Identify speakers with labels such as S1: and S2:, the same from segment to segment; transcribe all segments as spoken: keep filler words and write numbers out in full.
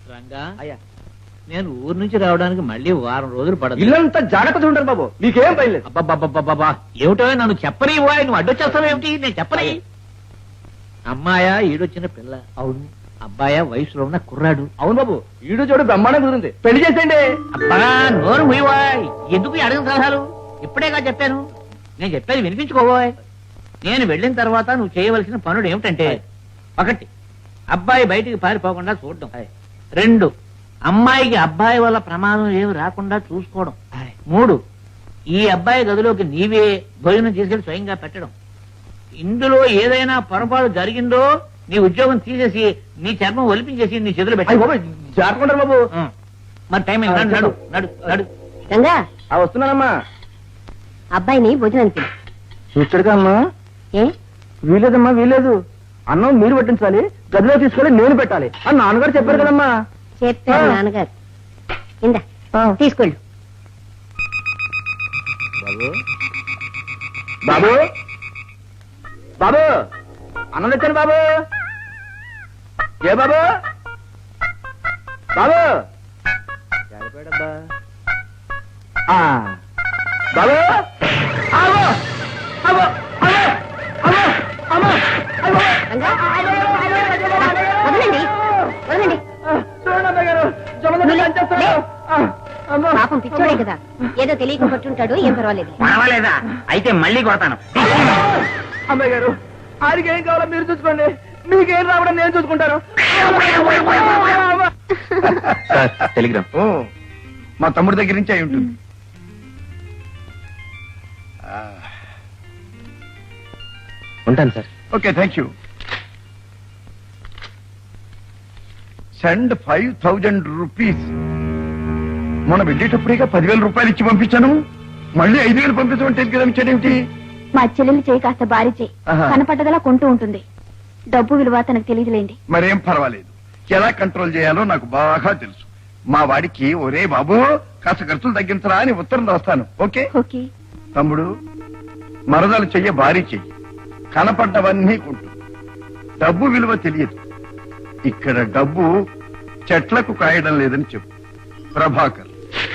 S1: రంగా అయ్యా, నేను ఊరు నుంచి రావడానికి మళ్ళీ వారం రోజులు పడదు.
S2: ఇల్లంతా జాగ్రత్త చూడండి బాబు, మీకేం భయలేదు.
S1: అబ్బాబ్బాబ్బా ఏమిటో నన్ను చెప్పని పోయా, నువ్వు అడ్డొచ్చేస్తావేమిటి? నేను చెప్పని. అమ్మాయా ఈడొచ్చిన పిల్ల? అవును. అబ్బాయా వయసులో ఉన్న కుర్రాడు?
S2: అవును బాబు, ఈడు చూడు బ్రహ్మాండం కుదిరింది, పెళ్లి చేసేయండి.
S1: అబ్బా నోరు ముయ్యవాయ్, ఎందుకు ఈ అడగని సలహాలు? ఇప్పుడేగా చెప్పాను, నేను చెప్పేది వినిపించుకోబోయ్. నేను వెళ్ళిన తర్వాత నువ్వు చేయవలసిన పనులు ఏమిటంటే, ఒకటి అబ్బాయి బయటికి పారిపోకుండా చూడడం, రెండు అమ్మాయికి అబ్బాయి వల్ల ప్రమాదం ఏమి రాకుండా చూసుకోవడం, మూడు ఈ అబ్బాయి గదిలోకి నీవే భోజనం తీసుకెళ్లి స్వయంగా పెట్టడం. ఇందులో ఏదైనా పొరపాటు జరిగిందో నీ ఉద్యోగం తీసేసి నీ చర్మం ఒలిపించేసి నీ చేతులు పెట్టాయి.
S2: జాగ్రత్త బాబు.
S1: మరి టైం అయింది, నడు నడు నడు.
S3: రంగా
S2: వస్తున్నానమ్మా.
S3: అబ్బాయిని భోజనానికి
S2: చూచాడుగా అమ్మా.
S3: ఏ
S2: వీలేదమ్మా, వీలేదు. అన్నం మీరు పట్టించాలి, గదిలో తీసుకెళ్ళి నేను పెట్టాలి అని నాన్నగారు చెప్పారు కదమ్మా.
S3: చెప్పారు నాన్నగారు. ఇందా తీసుకెళ్ళు.
S2: బాబు బాబు అన్నం తెచ్చాను బాబు. ఏ బాబు బాబు బాబు
S3: వదలండి వదలండి. పాపం పిచ్చోడే కదా, ఏదో తెలియక పట్టుంటాడు, ఏం పర్వాలేదు.
S1: పర్వాలేదా? అయితే మళ్ళీ కొడతాను.
S2: అమ్మాయి గారు, ఆడికి ఏం కావాలో మీరు చూసుకోండి, మీకేం రావడం నేను చూసుకుంటాను.
S4: టెలిగ్రామ్ మా తమ్ముడి దగ్గర నుంచి అయి ఉంటుంది.
S2: ఉంటాను sir.
S4: Okay, thank you. Send five thousand rupees. మొన్న వెళ్ళేటప్పుడేగా పదివేల రూపాయలు ఇచ్చి పంపించాను, మళ్ళీ ఐదు వేలు పంపించమంటే టెలిగ్రామ్ ఇచ్చాడేమిటి?
S5: మా చెల్లెలు చేయి కాస్త భారీ చేయి, కనపడ్డదలా కొంటూ ఉంటుంది. డబ్బు విలువ తనకు తెలియదులేండి.
S4: మరేం పర్వాలేదు, ఎలా కంట్రోల్ చేయాలో నాకు బాగా తెలుసు. మా వాడికి ఒరే బాబు కాస్త ఖర్చులు తగ్గించరా అని ఉత్తరం రాస్తాను. Okay
S5: okay.
S4: తమ్ముడు, మరదలు చెయ్య భారీ చెయ్యి, కనపడ్డవన్నీ కొంటు. డబ్బు విలువ తెలియదు. ఇక్కడ డబ్బు చెట్లకు కాయడం లేదని చెప్పు. ప్రభాకర్.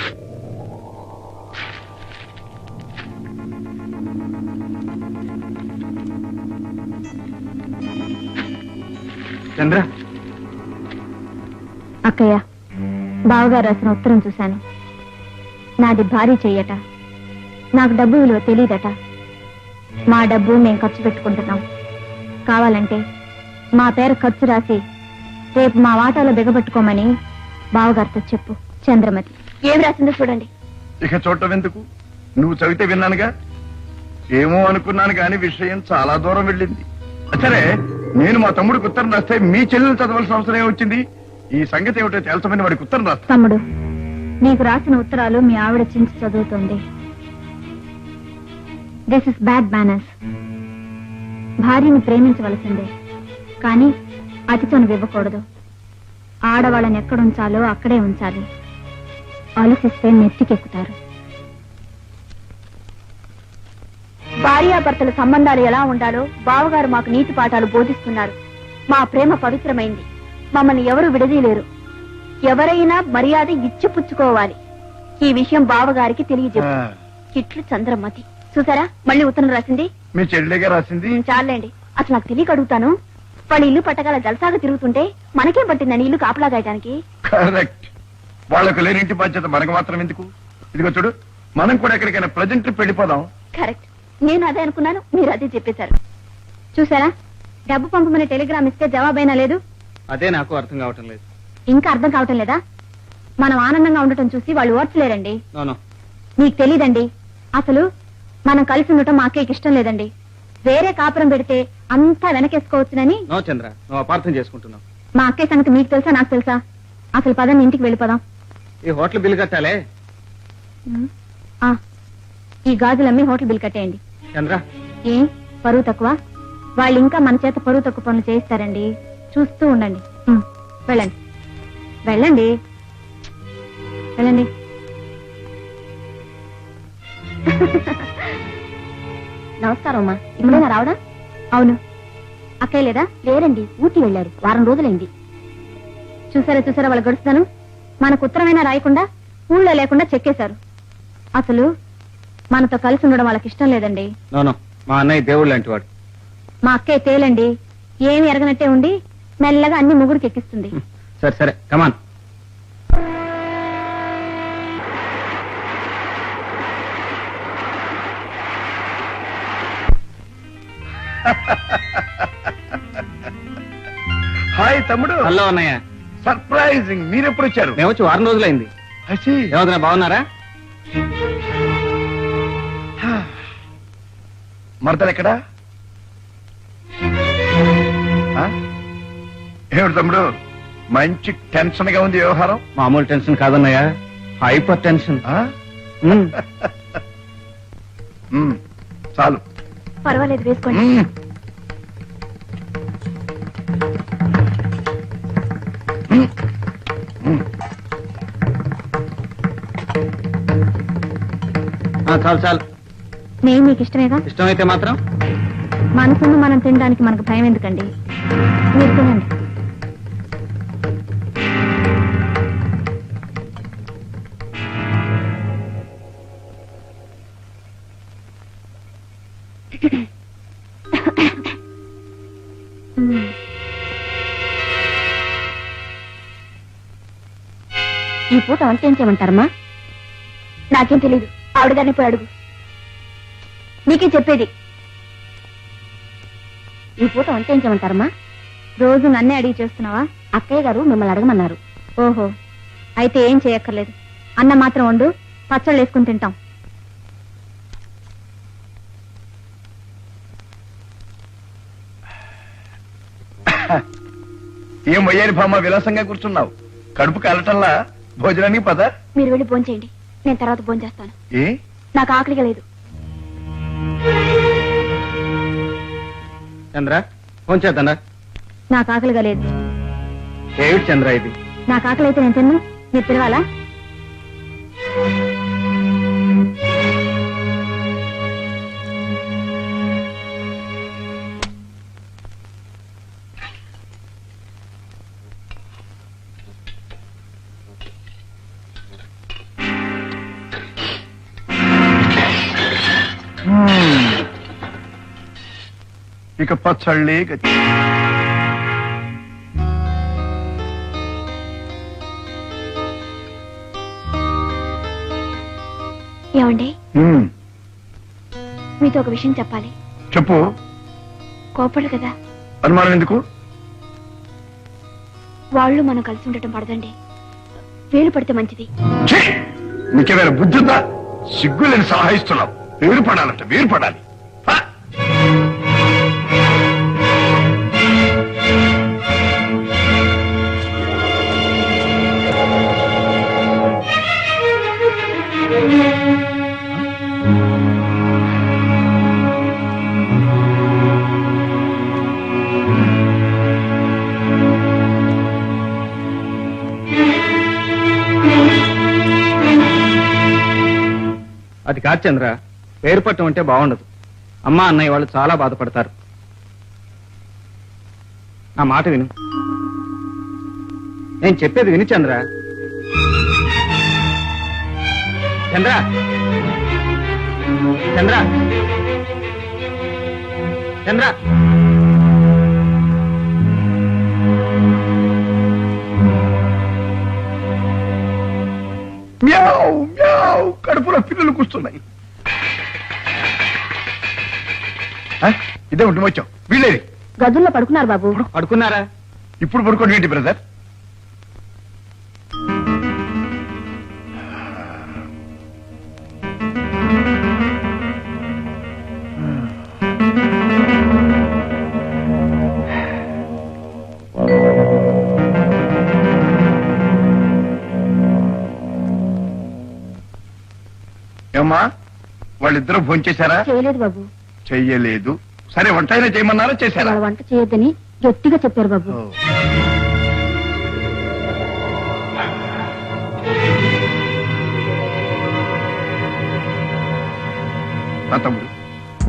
S4: చంద్ర.
S5: అక్కయ్య, బావగారు రాసిన ఉత్తరం చూశాను. నాది భారీ చెయ్యట, నాకు డబ్బు విలువ తెలియదట. మా డబ్బు మేం ఖర్చు పెట్టుకుంటున్నాం. కావాలంటే మా పేరు ఖర్చు రాసి రేపు మా వాటాలో బిగబట్టుకోమని బావగారితో చెప్పు. చంద్రమతి. ఏం రాసిందో చూడండి.
S4: ఇక చూడటం ఎందుకు, నువ్వు చదివితే విన్నానుగా. ఏమో అనుకున్నాను కానీ విషయం చాలా దూరం వెళ్ళింది. సరే, నేను మా తమ్ముడికి ఉత్తరం రాస్తే మీ చెల్లెలు చదవాల్సిన అవసరం ఏమొచ్చింది? ఈ సంగతి ఏమిటో తెలుసమని వాడికి ఉత్తరం రాస్తా.
S5: తమ్ముడు, నీకు రాసిన ఉత్తరాలు మీ ఆవిడ చించి చదువుతోంది. This is bad manners. భార్యని ప్రేమించవలసిందే, కానీ అతితోను ఇవ్వకూడదు. ఆడవాళ్ళని ఎక్కడుంచాలో అక్కడే ఉంచాలి. ఆలోచిస్తే నెత్తికెక్కుతారు. భార్యాభర్తల సంబంధాలు ఎలా ఉండాలో బావగారు మాకు నీతి పాఠాలు బోధిస్తున్నారు. మా ప్రేమ పవిత్రమైంది, మమ్మల్ని ఎవరు విడదీయలేరు. ఎవరైనా మర్యాద ఇచ్చిపుచ్చుకోవాలి. ఈ విషయం బావగారికి తెలియజెప్పు. ఇట్లు చంద్రమతి. చూసారా, మళ్ళీ ఉత్తరం రాసింది.
S4: మీ చెల్లెగా రాసింది.
S5: చాలండి, అసలు నాకు తెలియక అడుగుతాను. వాళ్ళ ఇల్లు పట్టగల జలసాగా తిరుగుతుంటే మనకేం పట్టిందని ఇల్లు కాపలాగాయడానికి?
S4: కరెక్ట్. వాళ్ళకు లేనింటి బాధ్యత మనకు మాత్రం ఎందుకు? ఇదిగో చూడు, మనం కూడా ఎక్కడికైనా ప్రజెంట్ ట్రిప్ వెళ్ళిపోదాం.
S5: కరెక్ట్, నేను అదే అనుకున్నాను, మీరు అదే చెప్పేశారు. చూసారా, డబ్బు పంపమని టెలిగ్రామ్ ఇస్తే జవాబైనా లేదు.
S2: అదే నాకు అర్థం కావటం లేదు.
S5: ఇంకా అర్థం కావటం లేదా? మనం ఆనందంగా ఉండటం చూసి వాళ్ళు ఓర్చలేరండి.
S2: నోనో,
S5: మీకు తెలీదండి. అసలు మనం కలిసి ఉండటం మా అక్కయ్యకి ఇష్టం లేదండి. వేరే కాపురం పెడితే అంతా వెనకేసుకోవచ్చునని.
S2: నో చంద్ర, నువ్వు అపార్థం చేసుకుంటున్నావు.
S5: మా అక్కయ్య సంగతి మీకు తెలుసా, నాకు తెలుసా? అసలు పదని ఇంటికి వెళ్ళిపోదాం.
S2: ఈ హోటల్ బిల్ కట్టాలే.
S5: ఆ, ఈ గాజులమ్మి హోటల్ బిల్ కట్టేయండి.
S2: చంద్ర,
S5: ఏం పరువు తక్కువ? వాళ్ళు ఇంకా మన చేత పరువు తక్కువ పనులు చేయిస్తారండి. చూస్తూ ఉండండి. ఉమ్, వెళ్ళండి వెళ్ళండి వెళ్ళండి. నమస్కారం అమ్మా. ఇప్పుడైనా రావడా? అవును. అక్కయ్య లేదా? లేరండి, ఊటీ వెళ్ళారు. వారం రోజులైంది. చూసారా చూసారా వాళ్ళ గడుస్తాను మనకు ఉత్తరమైనా రాయకుండా ఊళ్ళో లేకుండా చెక్కేశారు. అసలు మనతో కలిసి ఉండడం వాళ్ళకి ఇష్టం లేదండి.
S2: నోనో, మా అన్నయ్య దేవుడు లాంటి వాడు.
S5: మా అక్కయ్య తేలండి, ఏమి ఎరగనట్టే ఉండి మెల్లగా అన్ని ముగ్గురికి ఎక్కిస్తుంది.
S2: సరే సరే కమాన్.
S4: హాయ్ తమ్ముడు.
S2: హలో అన్నయ్య.
S4: సర్ప్రైజింగ్. మీరెప్పుడు వచ్చారు?
S2: మేము వచ్చి వారం రోజులైంది. ఏమవుతున్నా, బాగున్నారా?
S4: మరదలు ఎక్కడా? ఆ? ఏమిటి తమ్ముడు, మంచి టెన్షన్ గా ఉంది వ్యవహారం?
S2: మామూలు టెన్షన్ కాదన్నయ్య, హైపర్ టెన్షన్.
S4: ఆ?
S2: ఉమ్.
S4: ఉమ్, చాలు.
S5: పర్వాలేదు, వేసుకోండి.
S4: ఉమ్. ఉమ్. ఉమ్.
S2: ఆ, చాలు చాలు.
S5: నేను మీకు ఇష్టమేగా?
S2: ఇష్టమైతే మాత్రం
S5: మనసును మనం తినడానికి మనకు భయం ఎందుకండి? మీరు తినండి. ఈ పూట వంట ఏం చేయమంటారమ్మా? నాకేం తెలీదు, ఆవిడగానే పోయి అడుగు. నీకే చెప్పేది. ఈ పూట వంట ఏం చేయమంటారమ్మా? రోజు నన్నే అడిగి చేస్తున్నావా? అక్కయ్య గారు మిమ్మల్ని అడగమన్నారు. ఓహో, అయితే ఏం చేయక్కర్లేదు. అన్నం మాత్రం వండు, పచ్చళ్ళు వేసుకుని తింటాం.
S4: ఏం వయ్యారి భామ విలాసంగా కూర్చున్నావు? కడుపు కాలటల్లా భోజనానికి పద.
S5: మీరు వెళ్ళి భోంచేయండి, నేను తర్వాత భోంచేస్తాను.
S4: ఏ?
S5: నాకు ఆకలిగా లేదు.
S2: చంద్ర, ఫోన్ చేద్దా?
S5: నాకు ఆకలిగా లేదు.
S2: ఏమిటి చంద్ర ఇది?
S5: నాకు ఆకలి అయితే నేను తిన్ను, మీరు పిలవాలా?
S4: ఇక పచ్చళ్ళే గతి.
S5: ఏమండి,
S4: ఉమ్,
S5: మీతో ఒక విషయం చెప్పాలి.
S4: చెప్పు.
S5: కోపడు కదా?
S4: అనుమానం ఎందుకు?
S5: వాళ్ళు మనం కలిసి ఉండటం పడదండి, వేలు పడితే మంచిది.
S4: ఛీ! నీకేమైనా బుద్ధి ఉందా? సిగ్గులేని సలహా ఇస్తున్నావు. వేరు పడాలంట, వేరు పడాలి. హ!
S2: అది కాదు చంద్ర, పేరు పట్టం అంటే బాగుండదు. అమ్మా అన్నయ్య వాళ్ళు చాలా బాధపడతారు. నా మాట విను, నేను చెప్పేది విని చంద్ర. చంద్ర చంద్ర చంద్ర
S4: మ్యావ్ మ్యావ్, కడుపులో పిల్లలు కూస్తున్నాయి. ఇదే ఉంటుంది వచ్చాం. వీళ్ళేది?
S5: గదుల్లో పడుకున్నారు బాబు.
S2: పడుకున్నారా?
S4: ఇప్పుడు పడుకోండి ఏంటి బ్రదర్? ఏమ్మా, వాళ్ళిద్దరూ భోంచేశారా?
S5: చేయలేదు బాబు.
S4: చెయ్యలేదు. సరే, వంట అయినా చేయమన్నారా? చేశారా?
S5: వాళ్ళ వంట చేయొద్దని గట్టిగా చెప్పారు బాబు.
S4: ఓ. నా తమ్ముడు,